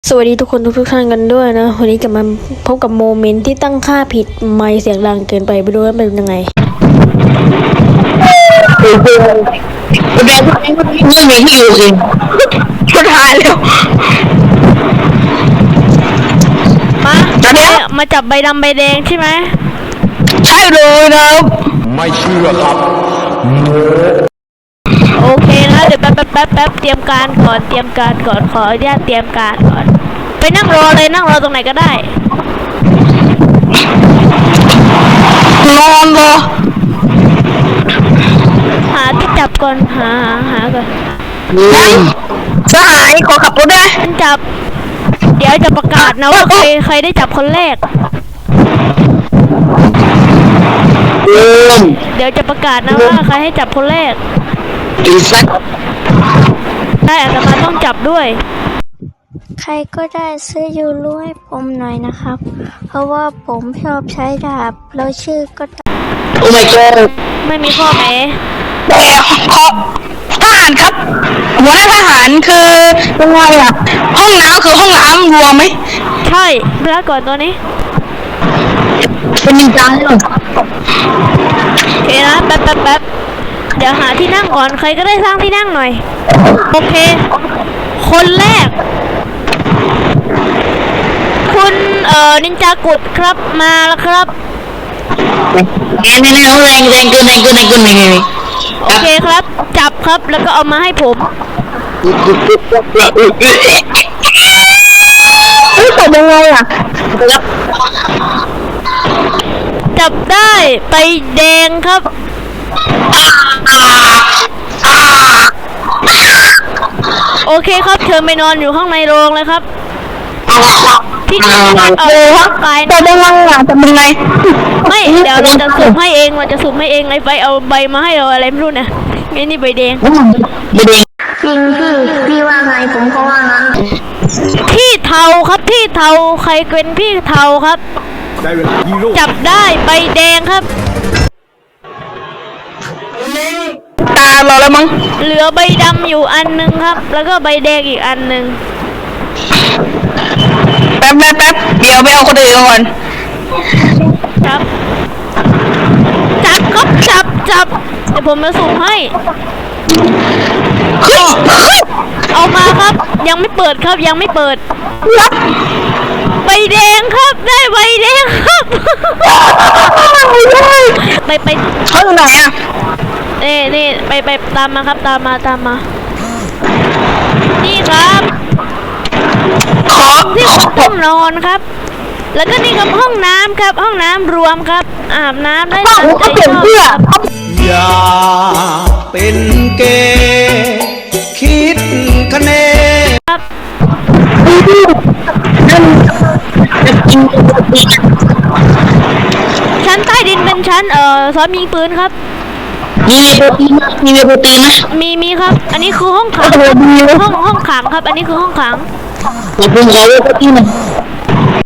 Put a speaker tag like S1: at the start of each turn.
S1: สวัสดีทุกคนทุกท่านกันด้วยนะวันนี้จะมาพบกับโมเมนต์ที่ตั้งค่าผิดไมค์เสียงดังเกินไปดูว่าเป็นยังไง
S2: แดงไม่มีที่อยู่สิสุดท้ายแล้ว
S1: มาจับใบดำใบแดงใช่ไหม
S2: ใช่เลยนะ
S3: ไม่เชื่อครับ
S1: โอเคนะเดี๋ยวแป๊บเตรียมการก่อนขออนุญาตเตรียมการก่อนไปนั่งรอเลยนั่งรอตรงไหนก็ได้
S2: นอนรอ
S1: หาที่จับก่อนหาก่อน
S2: สหายขอขับรถได้
S1: จับเดี๋ยวจะประกาศนะว่าใครได้จับคนแรกเดี๋ยวจะประกาศนะว่าใครให้จับคนแรกได้อาตมาต้องจับด้วย
S4: ใครก็ได้ซื้อยูรูให้ผมหน่อยนะครับเพราะว่าผมชอบใช้ดาบแล้วชื่อก็
S2: โอ้ my god
S1: ไม่มีข้อแม้
S2: แต่ขอทหารครับหัวหน้าทหารคือยังไงอะห้องน้ำคือห้องน้ำรวมไหม
S1: ใช่เวลาก่อนตัวนี้
S2: เป็นจริงจังเลย
S1: โอเคนะแป๊บเดี๋ยวหาที่นั่งก่อนใครก็ได้สร้างที่นั่งหน่อยโอเคคนแรกคุณนินจากุดครับมาแล้วครับ
S2: แรงเกิน
S1: โอเคครับจับครับแล้วก็เอามาให้ผม
S2: จับยังไงอ่ะ
S1: จับได้ไปแดงครับโอเคครับเชิญไปนอนอยู่ข้างในโรงเลยครับที่นี่เอาร่างกาย
S2: จับยังไงอ่ะจับยังไง
S1: ไม่เดี๋ยวเราจะสุ่มให้เองไอ้ไฟเอาใบมาให้เราอะไรไม่รู้นะไอ้นี่ใบแดง
S2: ใบแดง
S4: จริงพี่ว่าไงผมก็ว่างั้น
S1: พี่เทาครับพี่เทาใครเป็นพี่เทาครับจับได้ใบแดงครับ
S2: ตาเราแล้วมั้ง
S1: เหลือใบดำอยู่อันนึงครับแล้วก็ใบแดงอีกอันนึง
S2: แป๊บเดี๋ยวไปเอาคนอื่นก่อน
S1: ครับจับเดี๋ยวผมมาสุ่มให้เอามาครับยังไม่เปิดครับยังไม่เปิดใบแดงครับได้ใบแดงครับไป
S2: เขาอยู่ไหนอ่ะ
S1: นี่ไปตามมาครับตามมานี่ครับที่ต้องนอนครับแล้วก็นี่ครับห้องน้ำครับห้องน้ำรวมครับอาบน้ำได้ตามใจชอบ
S3: อย่าเป็นเกย์คิดคะเน
S1: ครับชั้นใต้ดินเป็นชั้นซ้อมยิงปืนครับ
S2: มีโปรตีนไหม
S1: มีครับอันนี้คือห้องขังห้องขังครับอันนี้คือห้องขัง
S2: ผมขอโปรตีน